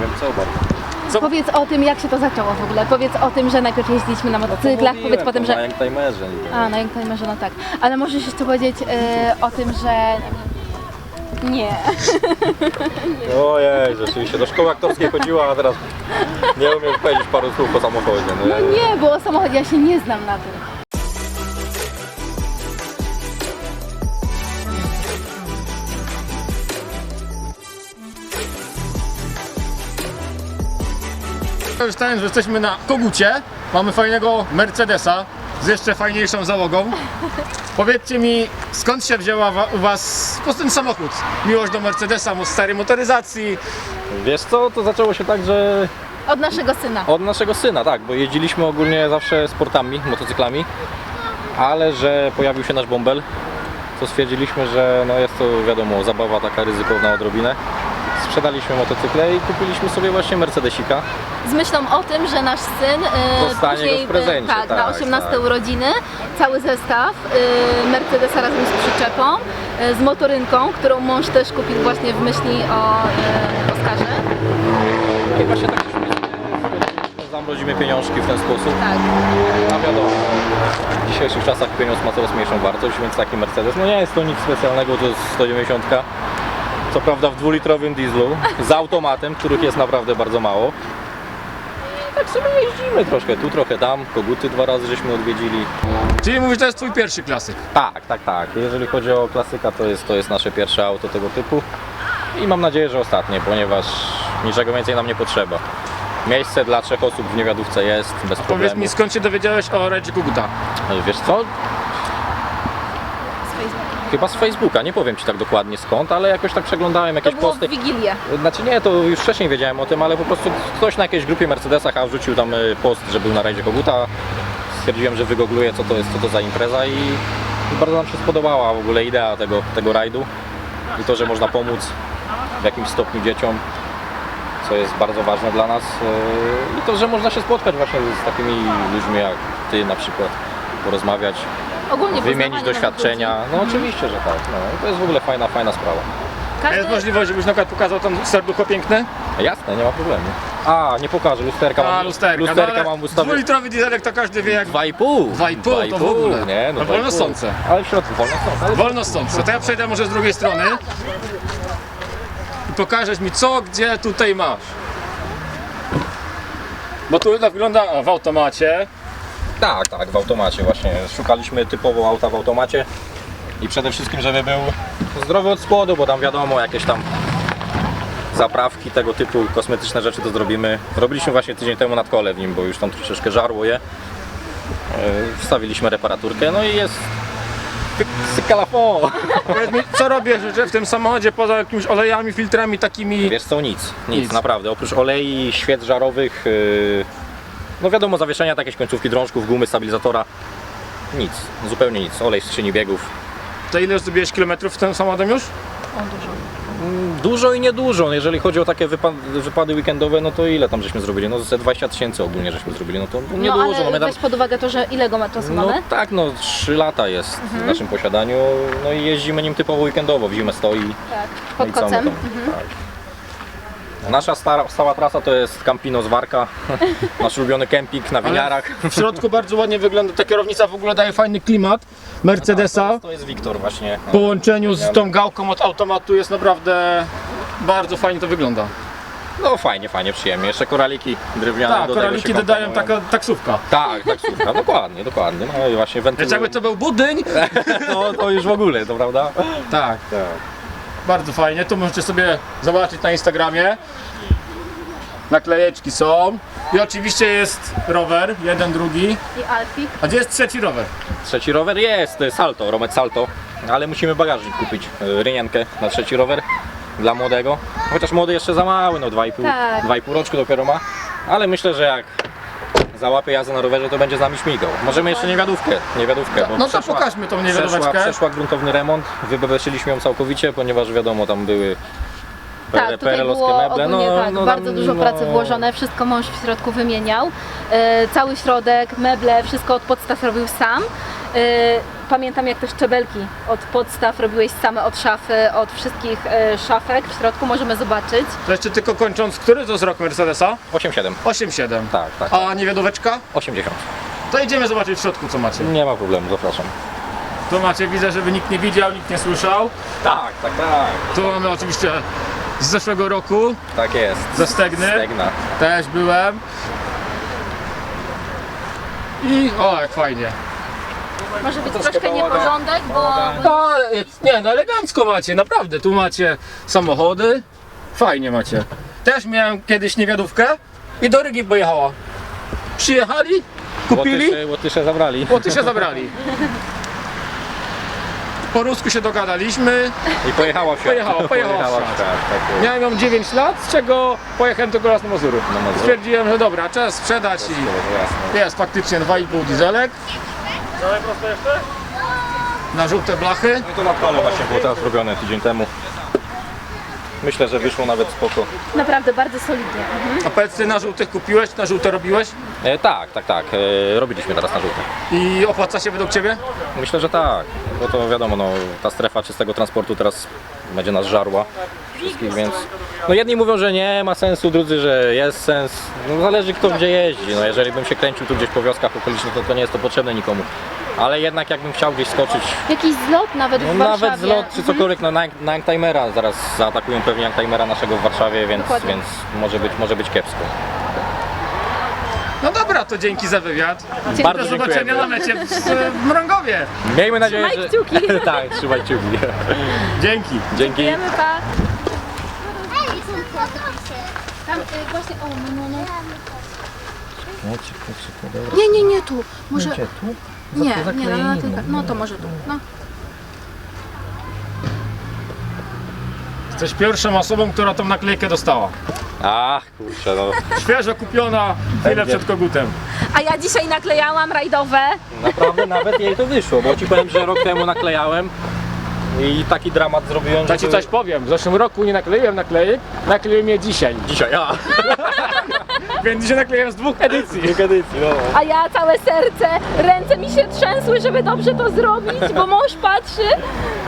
wiem co bardzo. Powiedz o tym, jak się to zaczęło w ogóle. Powiedz o tym, że najpierw jeździliśmy na motocyklach, powiedz potem, Na że... Youngtimerze. A, na Youngtimerze, no tak. Ale możesz jeszcze powiedzieć o tym, że... Nie. Ojej, rzeczywiście, do szkoły aktorskiej chodziła, a teraz nie umiem powiedzieć paru słów o samochodzie. No nie, bo o samochodzie ja się nie znam na tym. Korzystając, że jesteśmy na Kogucie, mamy fajnego Mercedesa z jeszcze fajniejszą załogą. Powiedzcie mi, skąd się wzięła u was po prostu ten samochód? Miłość do Mercedesa, starej motoryzacji. Wiesz co, to zaczęło się tak, że Od naszego syna. od naszego syna, tak, bo jeździliśmy ogólnie zawsze sportami, motocyklami, ale że pojawił się nasz bąbel, to stwierdziliśmy, że no jest to wiadomo, zabawa taka ryzykowna odrobinę. Sprzedaliśmy motocykle i kupiliśmy sobie właśnie Mercedesika. Z myślą o tym, że nasz syn Dostanie później, go w prezencie, na tak, 18 tak. urodziny, cały zestaw Mercedesa razem z przyczepą, z motorynką, którą mąż też kupił właśnie w myśli o Oskarze. I właśnie tak się zamrozimy pieniążki w ten sposób. Tak. A wiadomo, w dzisiejszych czasach pieniądz ma coraz mniejszą wartość, więc taki Mercedes, no nie jest to nic specjalnego, to jest 190. Co prawda w 2-litrowym dieslu, z automatem, których jest naprawdę bardzo mało. I tak sobie jeździmy troszkę tu, trochę tam, Koguty 2 razy żeśmy odwiedzili. Czyli mówisz, to jest twój pierwszy klasyk. Tak. Jeżeli chodzi o klasyka, to jest nasze pierwsze auto tego typu. I mam nadzieję, że ostatnie, ponieważ niczego więcej nam nie potrzeba. Miejsce dla 3 osób w niewiadówce jest, bez problemu. Powiedz mi, skąd się dowiedziałeś o rajdzie Koguta? Wiesz co? Z Facebooka. Chyba z Facebooka, nie powiem Ci tak dokładnie skąd, ale jakoś tak przeglądałem To jakieś było posty. w Wigilię. Znaczy nie, to już wcześniej wiedziałem o tym, ale po prostu ktoś na jakiejś grupie Mercedesach wrzucił tam post, że był na rajdzie Koguta. Stwierdziłem, że wygoogluję co to za impreza i bardzo nam się spodobała w ogóle idea tego rajdu i to, że można pomóc w jakimś stopniu dzieciom, co jest bardzo ważne dla nas i to, że można się spotkać właśnie z takimi ludźmi jak Ty na przykład, porozmawiać, Ogólnie wymienić poznawanie nowych doświadczenia. No oczywiście, że tak. No, i to jest w ogóle fajna sprawa. ludzi. A jest możliwość, żebyś na przykład pokazał ten serducho piękne? Jasne, nie ma problemu. A, nie pokażę, lusterka mam. lusterka. Mam ustawione. 2-litrowy dieselek to każdy wie jak 2,5. 2,5 to w ogóle. Nie, no No wolno 2,5. stące. Ale w środku wolno stące. Ale wolno stąd. To ja przejdę może z drugiej strony i pokażesz mi co, gdzie tutaj masz. Bo tu wygląda w automacie. Tak, w automacie właśnie. Szukaliśmy typowo auta w automacie i przede wszystkim, żeby był zdrowy od spodu, bo tam wiadomo, jakieś tam zaprawki, tego typu kosmetyczne rzeczy to zrobimy. Robiliśmy właśnie tydzień temu nadkole w nim, bo już tam troszeczkę żarło je. Wstawiliśmy reparaturkę, no i jest sykalafon. Powiedz mi, co robię że w tym samochodzie poza jakimiś olejami, filtrami takimi? Wiesz co, nic, naprawdę. Oprócz olei, świec żarowych, no wiadomo, zawieszenia, jakieś końcówki drążków, gumy, stabilizatora, nic, zupełnie nic. Olej z skrzyni biegów. To ile zrobiłeś kilometrów w tym samochodem już? O, dużo. Dużo i niedużo, jeżeli chodzi o takie wypady weekendowe, no to ile tam żeśmy zrobili? No ze 20 000 ogólnie żeśmy zrobili, no to niedużo. No ale my tam, weź pod uwagę to, że ile go czasu no mamy? tak, no 3 lata jest w naszym posiadaniu, no i jeździmy nim typowo weekendowo, w zimę stoi. Tak, No pod i co my kocem. tam, tak. Nasza stała trasa to jest Campino z Warka, nasz ulubiony kemping na winiarach. W środku bardzo ładnie wygląda, ta kierownica w ogóle daje fajny klimat Mercedesa. To jest Wiktor właśnie. W połączeniu z tą gałką od automatu jest naprawdę bardzo fajnie to wygląda. No fajnie, przyjemnie. Jeszcze koraliki drewniane Tak, do tego koraliki się dodają komponują. taka taksówka. Tak, taksówka, dokładnie. No i właśnie Więc wentyl. jakby to był budyń, To już w ogóle, to prawda? tak, Tak. bardzo fajnie. Tu możecie sobie zobaczyć na Instagramie. Naklejeczki są. I oczywiście jest rower, jeden, drugi. I Alfik. A gdzie jest trzeci rower? Trzeci rower jest, Salto, Romet Salto, ale musimy bagażnik kupić, rynienkę na trzeci rower dla młodego. Chociaż młody jeszcze za mały, no 2,5 Tak. 2,5 roczku dopiero ma, ale myślę, że jak załapie jazdę na rowerze, to będzie z nami śmigał. Możemy jeszcze niewiadówkę, bo No to pokażmy tą niewiadomeczkę. przeszła gruntowny remont, wybebeszyliśmy ją całkowicie, ponieważ wiadomo, tam były Tak, tutaj PRL-owskie było meble. ogólnie tak, tam, bardzo dużo pracy włożone, wszystko mąż w środku wymieniał. Cały środek, meble, wszystko od podstaw robił sam. Pamiętam, jak te szczebelki od podstaw robiłeś same od szafy, od wszystkich szafek w środku, możemy zobaczyć. To jeszcze tylko kończąc, który to jest rok Mercedesa? 8,7. 8,7. Tak, tak. A niewiadóweczka? 80. To idziemy zobaczyć w środku, co macie. Nie ma problemu, zapraszam. Tu macie, widzę, żeby nikt nie widział, nikt nie słyszał. Tak, tak, tak. Tu mamy oczywiście z zeszłego roku, Tak jest. ze Stegny. Stegna. Też byłem. I o, jak fajnie. Może być troszkę troszkę bałagan. nieporządek, bo No, nie, no elegancko macie, naprawdę. Tu macie samochody. Fajnie macie. Też miałem kiedyś niewiadówkę i do Rygi pojechała. Przyjechali, kupili, Łotysze zabrali. Łotysze zabrali. Po rusku się dogadaliśmy. I pojechała w świat. Pojechała w świat. Tak jest. Miałem ją 9 lat, z czego pojechałem tylko raz na Mazury. Na Mazury. Stwierdziłem, że dobra, czas sprzedać i Jasne. jest faktycznie 2,5 dieselek. Dalej prosto jeszcze? Na żółte blachy. No to na pale właśnie było teraz robione tydzień temu. Myślę, że wyszło nawet spoko. naprawdę bardzo solidnie. A powiedz, ty na żółtych kupiłeś, na żółte robiłeś? Tak, tak, tak. Robiliśmy teraz na żółte. I opłaca się według ciebie? Myślę, że tak. Bo to wiadomo, no, ta strefa czystego transportu teraz będzie nas żarła wszystkich, więc... No jedni mówią, że nie ma sensu, drudzy, że jest sens. No zależy kto gdzie jeździ. No jeżeli bym się kręcił tu gdzieś po wioskach okolicznych, to nie jest to potrzebne nikomu. Ale jednak jakbym chciał gdzieś skoczyć, Jakiś zlot nawet no w Warszawie. nawet zlot czy cokolwiek, no na Youngtimera, zaraz zaatakują pewnie Youngtimera naszego w Warszawie, więc Dokładnie. może być kiepsko. No dobra, to dzięki za wywiad. Bardzo Do zobaczenia dziękujemy. na mecie w Mrągowie. Miejmy nadzieję, Trzymaj że... kciuki. Tak, trzymaj kciuki. Dzięki. Dzięki. Wiemy, pa. Tam właśnie, o, no. Nie, tu. Może... Nie, na tylko. No to może tu. No. Jesteś pierwszą osobą, która tą naklejkę dostała. Ach, kurczę, no. Świeżo kupiona chwilę Będzie. przed kogutem. A ja dzisiaj naklejałam rajdowe. Naprawdę nawet jej to wyszło, bo ci powiem, że rok temu naklejałem i taki dramat zrobiłem, Ja ci coś powiem, w zeszłym roku nie nakleiłem naklejek, nakleiłem je dzisiaj. Dzisiaj, Więc dzisiaj nakleiłem z 2 edycji. edycji, no. A ja całe serce, ręce mi się trzęsły, żeby dobrze to zrobić, bo mąż patrzy.